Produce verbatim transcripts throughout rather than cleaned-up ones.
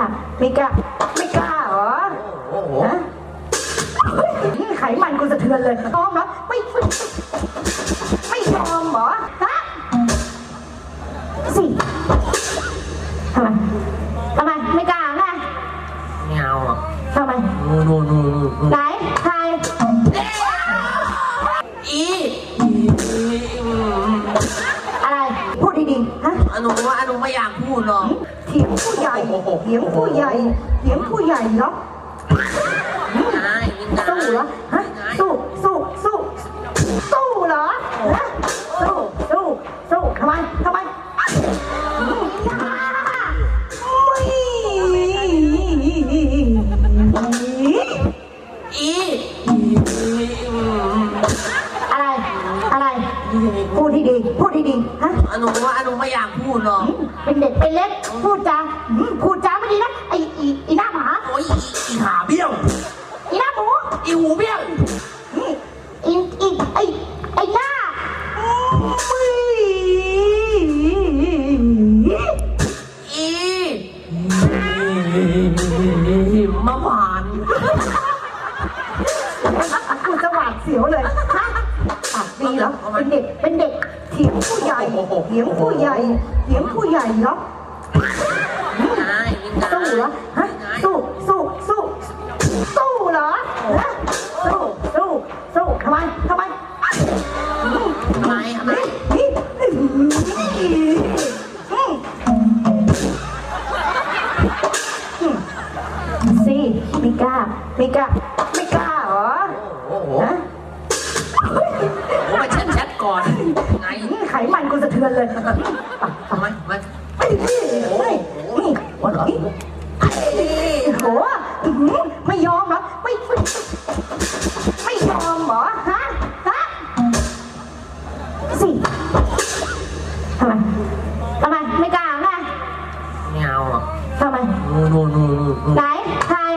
ไม่กล้าไม่กล้าเหรอโอ้โหไขมันกูสะเทือนเลยยอมเหรอไม่ไม่ยอมเหรอฮะสิทำไมทำไมไม่กล้าไงไม่เอาอ่ะทำไมนู่นนู่นนู่นไหนใครอีอะไรพูดดีๆฮะอนุว่าอนุไม่อยากพูดหรอกเถียงผู้ใหญ่เถียงผู้ใหญ่เถียงผู้ใหญ่เนาะสู้เหรอฮะสู้สู้สู้สู้เหรอฮะสู้สู้สู้ทำไมทำไมอีอะไรอะไรพูดดีๆพูดดีๆฮะอนุว่าอนุไม่อยากพูดหรอกเป็นเด็กเป็นเล็กพูดจาพูดจาไม่ดีนะไอ้อีอีหน้าหมาโอ้ยอีขาเบี้ยวอีหน้าหมูอีหูเบี้ยวอีอีไอ้ไอ้หน้าอีมะพร้าวกูจะหวาดเสียวเลยฮะปากดีเหรอเป็นเด็กเป็นเด็กเถียงผู้ใหญ่เถียงผู้ใหญ่เถียงผู้ใหญ่เหรอสู้เหรอฮะสู้สู้สู้สู้เหรอฮะสู้สู้สู้ทำไมทำไมทำไมทำไมสิไม่กล้าไม่กล้าไม่กล้าเหรอโอ้โหผมไปแชทแชทก่อนไงไขมันกูสะเทือนเลยทำไมมาไอ้นี่โอ้ยนี่วันหลังโหไม่ยอมเหรอไม่ไม่ยอมเหรอฮะฮะสิทำไมทำไมไม่กล้าไงไม่เอาอ่ะทำไมนู่นนู่นนู่นไหนใคร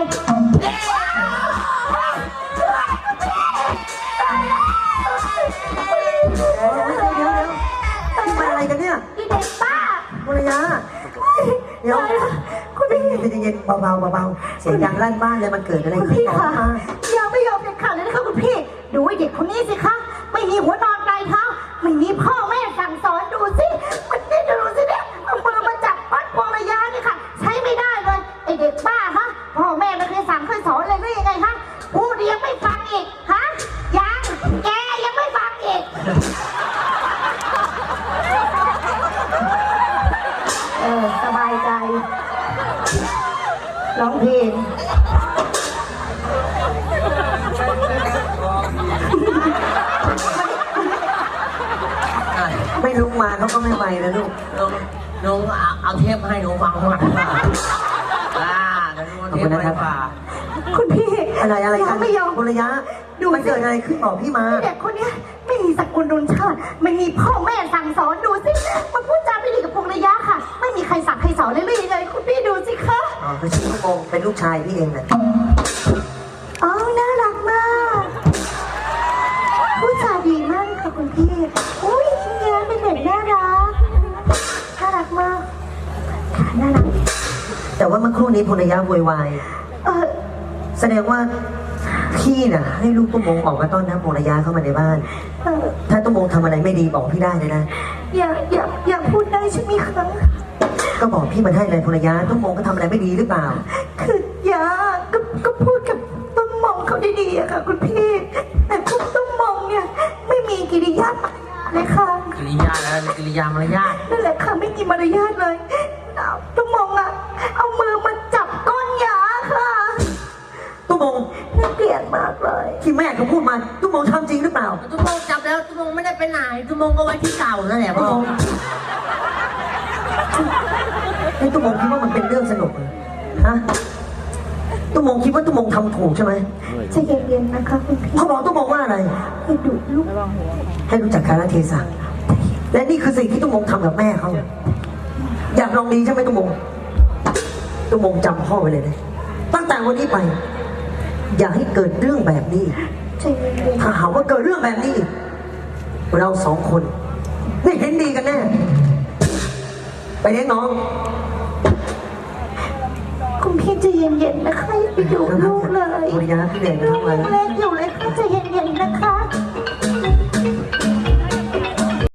อะไรกันเนี่ยพี่เด็กป้าภรรยาเดี๋ยวคุณพี่เย็นๆเบาๆเบาๆเสียงดังลั่นบ้านเลยมันเกิดอะไรขึ้นต่อมายังไม่ยอมเด็ดขาดเลยนะคะคุณพี่ดูไอ้เด็กคนนี้สิคะไม่มีหัวนอนปลายเท้าไม่มีพ่อแม่สั่งสอนดูสิมันนี่ดูสิเนี่ยเอามือมาจับปัดพวงระยะนี่ค่ะใช้ไม่ได้เลยไอ้เด็กป้าฮะพ่อแม่ไม่เคยสั่งเคยสอนเลยหรือยังไงฮะพูดยังไม่ฟังอีกฮะยังแกยังไม่ฟังอีกเออสบายใจร้องเพลงไม่ลุกมาเขาก็ไม่ไปนะลูกน้องน้องเอาเทปให้หนูฟังก่อนค่ะอ่าเดี๋ยวน้องเทปให้ฟังคุณพี่อะไรอะไรกันไม่ยอมภรรยาดูมันเกิดอะไรขึ้นบอกพี่มาเด็กคนนี้ไม่มีสกุลรุนชาติไม่มีพ่อแม่สั่งสอนดูสิมันพูดจาไม่ดีกับพงระยะค่ะไม่มีใครสั่งใครสอนเลยเลยเลยคุณพี่ดูสิคะอ๋อคือชื่อโกงเป็นลูกชายพี่เองนะอ๋อน่ารักมากพูดจาดีมากค่ะคุณพี่อุ้ยเนี่ยเป็นเด็กน่ารักน่ารักมากน่ารักแต่ว่าเมื่อครู่นี้ภรรยาโวยวายเออแสดงว่าพี่น่ะให้ลูกตุ้มงออกมาต้อนรับภรรยาเข้ามาในบ้านถ้าตุ้มงทำอะไรไม่ดีบอกพี่ได้เลยนะอย่าอย่าอย่าพูดได้ใช่ไหมคะก็บอกพี่มาได้เลยภรรยาตุ้มงก็ทำอะไรไม่ดีหรือเปล่าคืออย่าก็ก็พูดกับตุ้มงเขาดีๆอะค่ะคุณพี่แต่พวกตุ้มงเนี่ยไม่มีกิริยาเลยค่ะกิริยาแล้วกิริยามารยาทนั่นแหละค่ะไม่มีมารยาทเลยตุ้มงอะเอามือมาจับก้นหยาค่ะตุ้มงน่าเกลียดมากเลยที่แม่เขาพูดมาตุ้มงทำจริงหรือเปล่าตุ้มงจับแล้วตุ้มงไม่ได้ไปไหนตุ้มงก็ไว้ที่เก่านั่นแหละพ่อไอ้ตุ้มงคิดว่ามันเป็นเรื่องสนุกฮะตุ้มงคิดว่าตุ้มงทำถูกใช่ไหมใจเย็นๆนะคะคุณพี่เขาบอกตุ้มงว่าอะไรให้ดุลูกให้รู้จักกาลเทศะและนี่คือสิ่งที่ตุ้มงทำกับแม่เขาอยากลองดีใช่ไหมตุ้มงตุ้มงจำพ่อไว้เลยนะตั้งแต่วันนี้ไปอย่าให้เกิดเรื่องแบบนี้ถ้าหากว่าเกิดเรื่องแบบนี้เราสองคนไม่เห็นดีกันแน่ไปเลี้ยงน้องคุเย็นๆนะคะอย่าไปดูลูกเลยภรรยาพี่เด่นลูทำกไมยังเล็กอยู่เลยค่ะใจเย็